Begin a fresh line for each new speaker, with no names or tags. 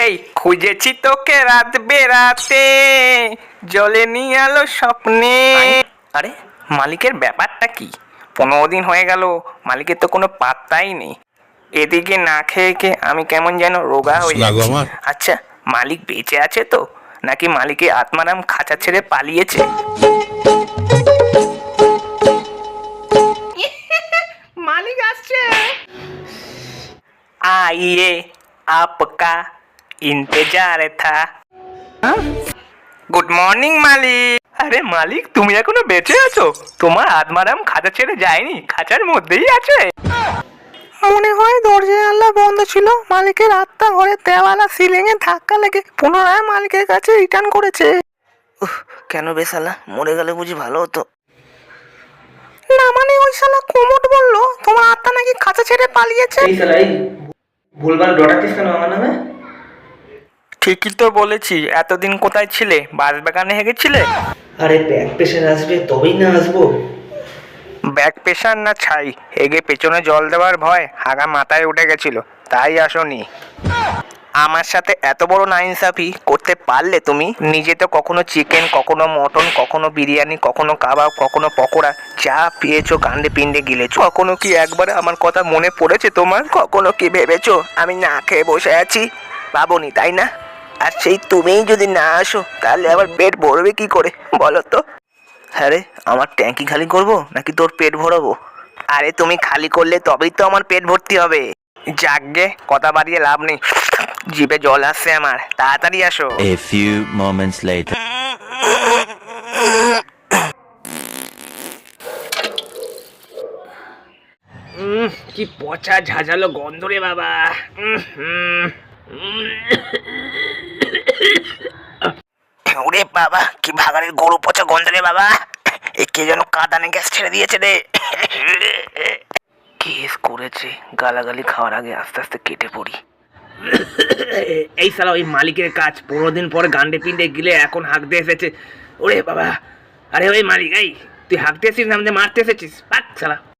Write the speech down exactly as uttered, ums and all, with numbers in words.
এই খুঁজেছি তোকে রাত বেরাতে, জলে নিয়ে আলো স্বপ্নে। আরে মালিকের ব্যাপারটা কি? পনেরো দিন হয়ে গেল, মালিকের তো কোনো পাত্তাই নেই। এদিকে না খেয়ে খেয়ে আমি কেমন যেন রোগা হয়ে যাচ্ছি। আচ্ছা, মালিক বেঁচে আছে তো, নাকি মালিকের আত্মারাম খাঁচা ছেড়ে পালিয়েছে? মালিক আসছে। आइए आपका इंतजार था। গুড মর্নিং মালিক। আরে মালিক, তুমি এখনো বেঁচে আছো? তোমার আত্মারাম খাঁচা ছেড়ে যায়নি, খাঁচার মধ্যেই আছে। মনে হয় দরজা জানলা বন্ধ ছিল, মালিকের আত্মা ঘরের দেওয়ালা সিলিং এ ধাক্কা লেগে পুনরায় মালিকের কাছে রিটার্ন করেছে।
উহ, কেন বে শালা, মরে গেলে বুঝি ভালো হতো।
না মানে ওই শালা কোমট বললো তোমার আত্মা নাকি খাঁচা ছেড়ে পালিয়েছে।
এই শালা, এই ভুলভাল ডরাতিস কেন আমার নামে?
ঠিকই তো বলেছি। এতদিন কোথায় ছিলে? বাঁশবাগানে হেগেছিলে?
আরে ব্যাক প্রেশার আসবে তবেই না আসবো।
ব্যাক প্রেশার না ছাই, হেগে পেছনে জল দেওয়ার ভয় হাগা মাথায় উঠে গেছিল, তাই আসনি। আমার সাথে এত বড় নাইনসাফি করতে পারলে তুমি? নিজে তো কখনো চিকেন, কখনো মটন, কখনো বিরিয়ানি, কখনো কাবাব, কখনো পকোড়া, যা পেয়েছো কাণ্ডে পিণ্ডে গিলেছো। কখনো কি একবার আমার কথা মনে পড়েছে তোমার? কখনো কি ভেবেছো আমি না খেয়ে বসে আছি? ভাবনি তাই না? আর সেই তুমিই যদি না আসো তাহলে আবার পেট ভরবে কি করে বলো তো?
হ্যাঁ রে, আমার ট্যাঙ্কি খালি করবো নাকি তোর পেট ভরাবো?
আরে তুমি খালি করলে তবেই তো আমার পেট ভর্তি হবে। যাকগে, কথা বাড়িয়ে লাভ নেই, জিভে জল আসছে আমার, তাড়াতাড়ি আসো।
A few moments later.
উম, কি পচা ঝাঁঝালো গন্ধ রে বাবা। উম, উম, উম। ওরে বাবা, কি ভাগাড়ের গরু পচা গন্ধ রে বাবা। এ কে যেন কাঁদানে গ্যাস ছেড়ে দিয়েছে রে।
কেস করেছে, গালাগালি খাওয়ার আগে আস্তে আস্তে কেটে পড়ি।
এই সালা ওই মালিকের কাজ, পনেরো দিন পরে গান্ডে পিন্ডে গিলে এখন হাঁকতে এসেছে। ওরে বাবা, আরে ওই মালিক, এই তুই হাঁকতে এসেছিস না আমাদের মারতে এসেছিস? পাক সালা।